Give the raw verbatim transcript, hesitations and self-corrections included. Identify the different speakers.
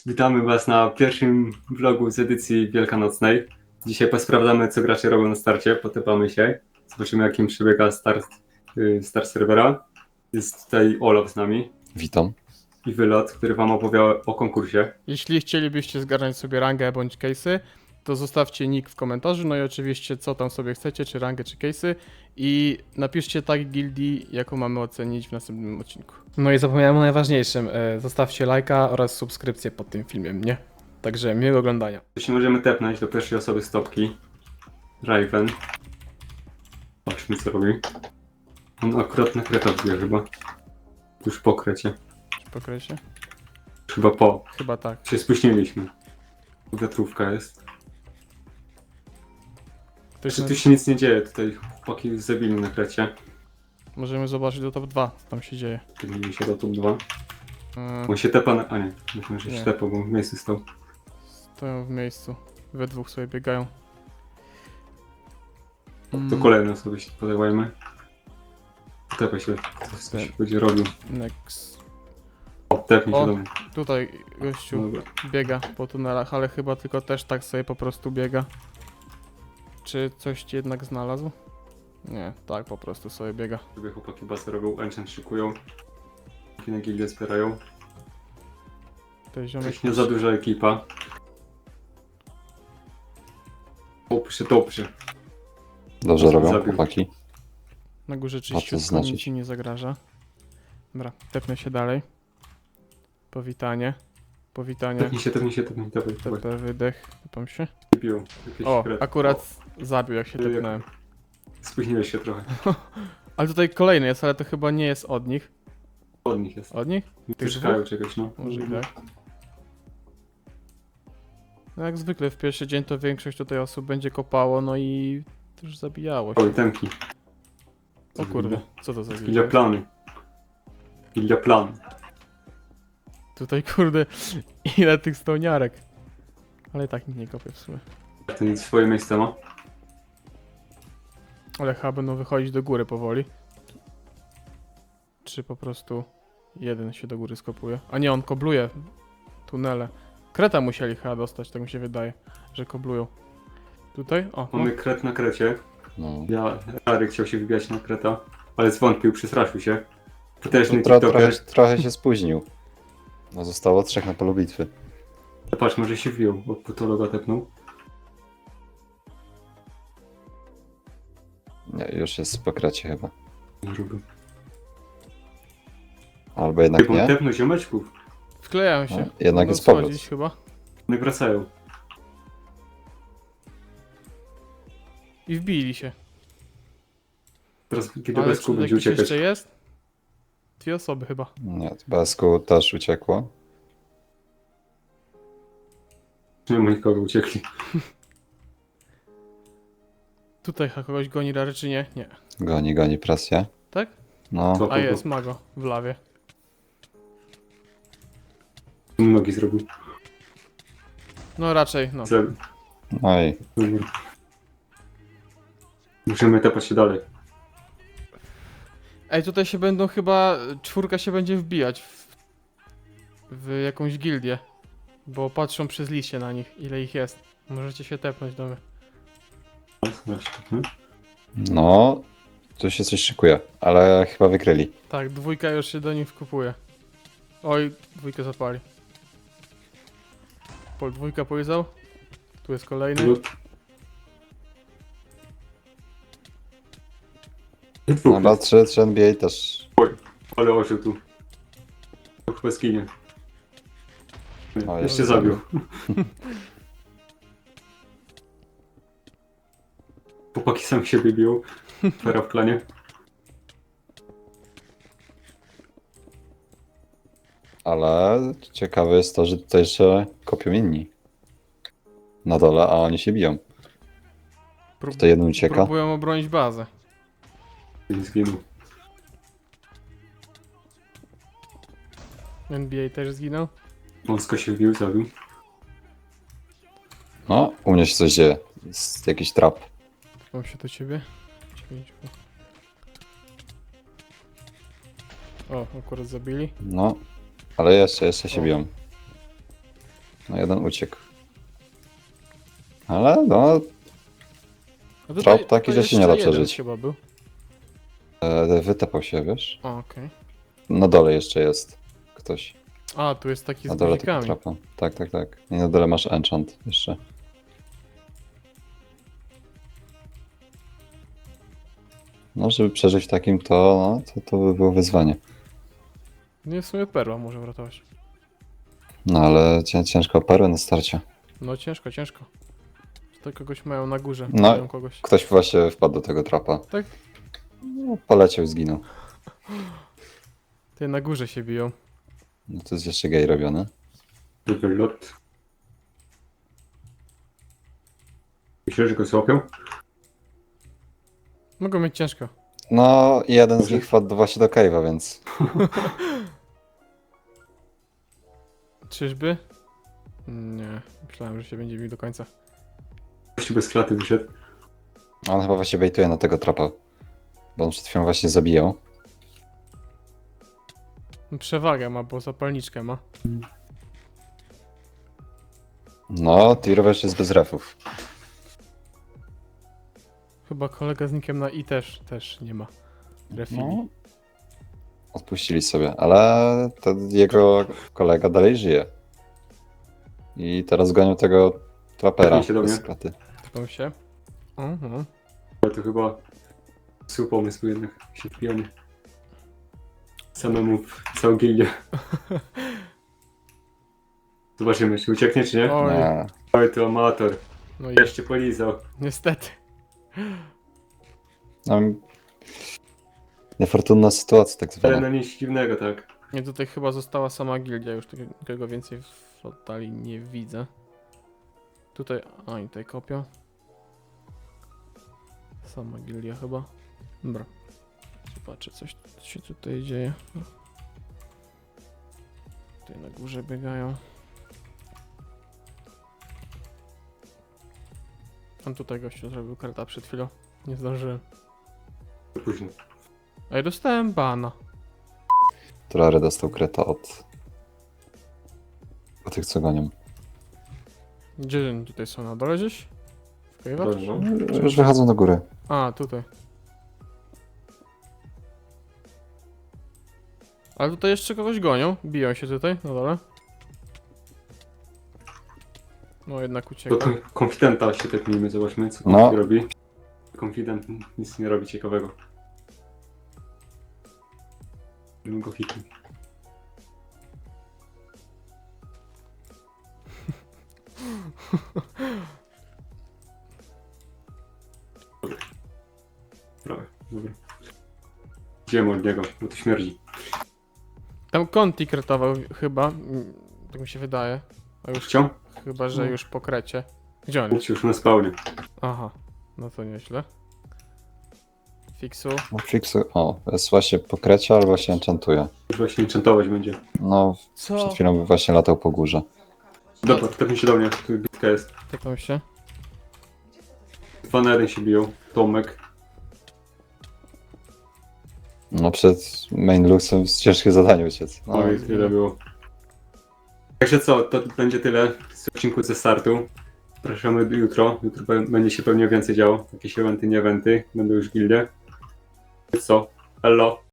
Speaker 1: Witamy Was na pierwszym vlogu z edycji wielkanocnej. Dzisiaj posprawdzamy, co gracze robią na starcie, potypamy się, zobaczymy, jakim przebiega start, yy, start serwera. Jest tutaj Olaf z nami
Speaker 2: Witam.
Speaker 1: i Wylot, który Wam opowie o konkursie.
Speaker 3: Jeśli chcielibyście zgarnąć sobie rangę bądź case'y, to zostawcie nick w komentarzu, no i oczywiście co tam sobie chcecie, czy rangę, czy case'y i napiszcie tag gildii, jaką mamy ocenić w następnym odcinku. No i zapomniałem o najważniejszym, e, zostawcie lajka oraz subskrypcję pod tym filmem, nie? Także miłego oglądania.
Speaker 1: Jeśli możemy tepnąć do pierwszej osoby stopki, Raven. Patrzmy, co robi. On akurat na kreta wbija chyba. Już po krecie.
Speaker 3: Pokrycie?
Speaker 1: Chyba po.
Speaker 3: Chyba tak.
Speaker 1: Się spóźniliśmy. Wiatrówka jest.
Speaker 3: Ktoś
Speaker 1: Czy
Speaker 3: na...
Speaker 1: tu się nic nie dzieje? Tutaj chłopaki już zabili na krecie.
Speaker 3: Możemy zobaczyć do top dwa, co tam się dzieje.
Speaker 1: Kierujemy się do top dwa.
Speaker 3: E,
Speaker 1: On się tepa na... A nie, myślę, że się
Speaker 3: Nie.
Speaker 1: tepa, bo w miejscu stał.
Speaker 3: stoją w miejscu, we dwóch sobie biegają.
Speaker 1: To
Speaker 3: Mm,
Speaker 1: kolejne osoby się podawajmy. Tepa się, co się będzie robił.
Speaker 3: Next.
Speaker 1: O, tepnij się
Speaker 3: O.
Speaker 1: do mnie.
Speaker 3: Tutaj gościu
Speaker 1: Dobra.
Speaker 3: biega po tunelach, ale chyba tylko też tak sobie po prostu biega. Czy coś ci jednak znalazł? Nie, tak po prostu sobie biega.
Speaker 1: Sobie chłopaki basy robią, enchant szykują. Na gildię wspierają.
Speaker 3: Ten ziomek
Speaker 1: Nie za duża ekipa. Dobrze, dobrze.
Speaker 2: Dobrze robią
Speaker 1: Zabił.
Speaker 2: chłopaki.
Speaker 3: na górze
Speaker 2: to
Speaker 3: czyściutko,
Speaker 2: znaczyć?
Speaker 3: nic ci nie zagraża. Dobra, tepnę się dalej. Powitanie. Powitanie.
Speaker 1: Tepnij się, tepnij się, tepnij, tepnij. tepnij.
Speaker 3: T P, wydech. Tepam się.
Speaker 1: Biją. Jakieś
Speaker 3: O,
Speaker 1: kret.
Speaker 3: akurat zabił jak się
Speaker 1: Jak-
Speaker 3: tepnąłem.
Speaker 1: O, spóźniłeś się trochę.
Speaker 3: Ale tutaj kolejny jest, ale to chyba nie jest od nich.
Speaker 1: Od nich jest.
Speaker 3: Od nich?
Speaker 1: Tu szukają czegoś, no.
Speaker 3: Może i tak. No jak zwykle w pierwszy dzień to większość tutaj osób będzie kopało, no i już zabijało się.
Speaker 1: Oj, temki.
Speaker 3: O kurde, co to za
Speaker 1: Gildia
Speaker 3: gildia?
Speaker 1: plany. Gildia plan.
Speaker 3: Tutaj kurde, ile tych stołniarek. Ale i tak nikt nie kopie w sumie.
Speaker 1: Ten swoje miejsce ma.
Speaker 3: Ale chyba będą wychodzić do góry powoli. Czy po prostu jeden się do góry skopuje? A nie, on kobluje tunele. Kreta musieli chyba dostać, tak mi się wydaje, że koblują. Tutaj? O, no.
Speaker 1: Mamy kret na krecie.
Speaker 2: No.
Speaker 1: Ja, Rary chciał się wybijać na kreta, ale zwątpił, przestraszył się. Potężny
Speaker 2: To tro, trochę,
Speaker 1: TikToker.
Speaker 2: trochę się spóźnił. No zostało trzech na polu bitwy.
Speaker 1: Patrz, może się wbił, bo potologa tepnął.
Speaker 2: Nie, już jest po kracie chyba.
Speaker 1: Nie robił.
Speaker 2: Albo jednak
Speaker 1: Typą
Speaker 2: nie.
Speaker 1: tepnął ziomeczków.
Speaker 3: Wklejają się.
Speaker 2: No, jednak
Speaker 3: Mogą
Speaker 2: jest powrót.
Speaker 3: schodzić chyba.
Speaker 1: One wracają.
Speaker 3: I wbili się.
Speaker 1: Teraz kiedy
Speaker 3: Ale
Speaker 1: bez
Speaker 3: czy
Speaker 1: kół będzie
Speaker 3: jakiś
Speaker 1: uciekać.
Speaker 3: jeszcze jest? Dwie osoby chyba.
Speaker 2: Nie, Basku też uciekło.
Speaker 1: Nie ma nikogo, uciekli.
Speaker 3: Tutaj chyba kogoś goni Rary, czy nie? Nie.
Speaker 2: Goni, goni presję.
Speaker 3: Tak?
Speaker 2: No,
Speaker 1: Co?
Speaker 3: A jest Mago w lawie.
Speaker 1: Nogi zrobił.
Speaker 3: No raczej, no.
Speaker 1: Zabił.
Speaker 2: no i
Speaker 1: Dobra. Musimy tepać się dalej.
Speaker 3: Ej, tutaj się będą chyba, czwórka się będzie wbijać w, w jakąś gildię. Bo patrzą przez liście na nich, ile ich jest. Możecie się tepnąć do mnie.
Speaker 2: no, tu się coś szykuje, ale chyba wykryli.
Speaker 3: Tak, dwójka już się do nich wkupuje. Oj, dwójkę zapali. Pol dwójka polizał. Tu jest kolejny.
Speaker 2: Dobra, trzy, trzy N B A też.
Speaker 1: Ale ożył tu. To chyba skinie. Nie,
Speaker 2: O,
Speaker 1: jeszcze
Speaker 2: jest
Speaker 1: zabił. Chłopaki sam siebie biją. Fera w klanie.
Speaker 2: Ale ciekawe jest to, że tutaj jeszcze kopią inni. Na dole, a oni się biją.
Speaker 3: Prób
Speaker 2: Tutaj jeden ucieka.
Speaker 3: próbują obronić bazę.
Speaker 1: Nie zginął.
Speaker 3: N B A też zginął.
Speaker 1: Wąsko się wbił, zabił.
Speaker 2: No, u mnie się coś dzieje. Jest jakiś trap.
Speaker 3: Mam się do ciebie. Dziewięć. O, akurat zabili.
Speaker 2: No, ale jeszcze, jeszcze się
Speaker 3: O.
Speaker 2: biją. No jeden uciekł. Ale no,
Speaker 3: A
Speaker 2: Trop taki,
Speaker 3: to
Speaker 2: że się nie da
Speaker 3: jeszcze jeden
Speaker 2: przeżyć.
Speaker 3: chyba był.
Speaker 2: e, wytapał się, wiesz?
Speaker 3: O, okej.
Speaker 2: Na dole jeszcze jest ktoś.
Speaker 3: A, tu jest taki
Speaker 2: Na
Speaker 3: z
Speaker 2: dole tego
Speaker 3: guzikami.
Speaker 2: trapa. Tak, tak, tak. I na dole masz enchant jeszcze. No, żeby przeżyć w takim, to, no, to, to by było wyzwanie.
Speaker 3: Nie, w sumie perła może uratować.
Speaker 2: No, ale cię, ciężko o perłę na starcie.
Speaker 3: No ciężko, ciężko. Tutaj kogoś mają na górze.
Speaker 2: No.
Speaker 3: Mają kogoś.
Speaker 2: Ktoś właśnie wpadł do tego trapa.
Speaker 3: Tak?
Speaker 2: No, poleciał, zginął.
Speaker 3: Tutaj na górze się biją.
Speaker 2: No, to jest jeszcze gej robione.
Speaker 1: Wylot. Myślę, że go złapią?
Speaker 3: Mogą mieć ciężko.
Speaker 2: No, i jeden z
Speaker 1: Dobrze.
Speaker 2: nich wpadł właśnie do cave'a, więc...
Speaker 3: Czyżby? Nie, myślałem, że się będzie bił do końca.
Speaker 1: Gościu bez klaty wyszedł.
Speaker 2: On chyba właśnie bejtuje na tego trapa. Bo on przed chwilą właśnie zabijał.
Speaker 3: Przewagę ma, bo zapalniczkę ma.
Speaker 2: No, Tirowiesz jest bez refów.
Speaker 3: Chyba kolega z nikiem na i też, też nie ma refili.
Speaker 2: No. Odpuścili sobie, ale ten jego kolega dalej żyje. I teraz gonią tego trapera
Speaker 1: Cofnij się do
Speaker 2: bez
Speaker 1: mnie.
Speaker 2: klaty.
Speaker 3: Typam się. Mhm.
Speaker 1: Ale to chyba zły pomysł jednak się wpijanie. Samemu w całą gildię. Zobaczymy, czy ucieknie, czy nie?
Speaker 3: Oj,
Speaker 2: Nie.
Speaker 1: Oj, to amator.
Speaker 3: no i
Speaker 1: Jeszcze polizał.
Speaker 3: niestety.
Speaker 2: No, niefortunna sytuacja tak
Speaker 1: Ale
Speaker 2: zwana.
Speaker 1: na nic dziwnego, tak.
Speaker 3: Nie, tutaj chyba została sama gildia, już takiego więcej w oddali nie widzę. Tutaj, a i tutaj kopią. Sama gildia chyba. Dobra. Zobaczę, coś się tutaj dzieje. Tutaj na górze biegają. Tam tutaj gościu zrobił karta przed chwilą. Nie zdążyłem.
Speaker 1: To późno.
Speaker 3: Ej, dostałem bana.
Speaker 2: Turary dostał kreta od... od tych, co gonią.
Speaker 3: Gdzie oni tutaj są? Na dole gdzieś? W cave'ach?
Speaker 1: Dobrze, no.
Speaker 2: Już wychodzą do góry.
Speaker 3: A, tutaj. Ale tutaj jeszcze kogoś gonią. Biją się tutaj, na dole. No jednak
Speaker 1: Do
Speaker 3: ucieka.
Speaker 1: kon- konfidenta się tepnijmy, zobaczmy, co
Speaker 2: No.
Speaker 1: no. robi. Konfident nic nie robi ciekawego. Bym go hitnął. Dobra. Prawie, dobra. Idziemy od niego, bo to śmierdzi.
Speaker 3: Tam Conti kretował chyba. mm, Tak mi się wydaje. A już
Speaker 1: Chciał?
Speaker 3: chyba, że już po krecie. Gdzie on jest?
Speaker 1: Mówcie już na spawnie.
Speaker 3: Aha. No to nieźle. Fiksu.
Speaker 2: No, Fixu... O, jest właśnie po krecie albo się enchantuje.
Speaker 1: Już właśnie enchantować będzie.
Speaker 2: No,
Speaker 3: Co?
Speaker 2: przed chwilą właśnie latał po górze.
Speaker 1: Dobra, tepnij się do mnie, tu bitka jest.
Speaker 3: Tepam się.
Speaker 1: Dwa na jeden się biją. Tomek.
Speaker 2: No, przed main luxem jest ciężkie zadanie uciec. No,
Speaker 1: Oj, tyle było. Także co, to będzie tyle z odcinku ze startu. Zapraszamy jutro. Jutro be- będzie się pewnie więcej działo. Jakieś eventy, nie eventy. Będą już gildie. Co? Hello.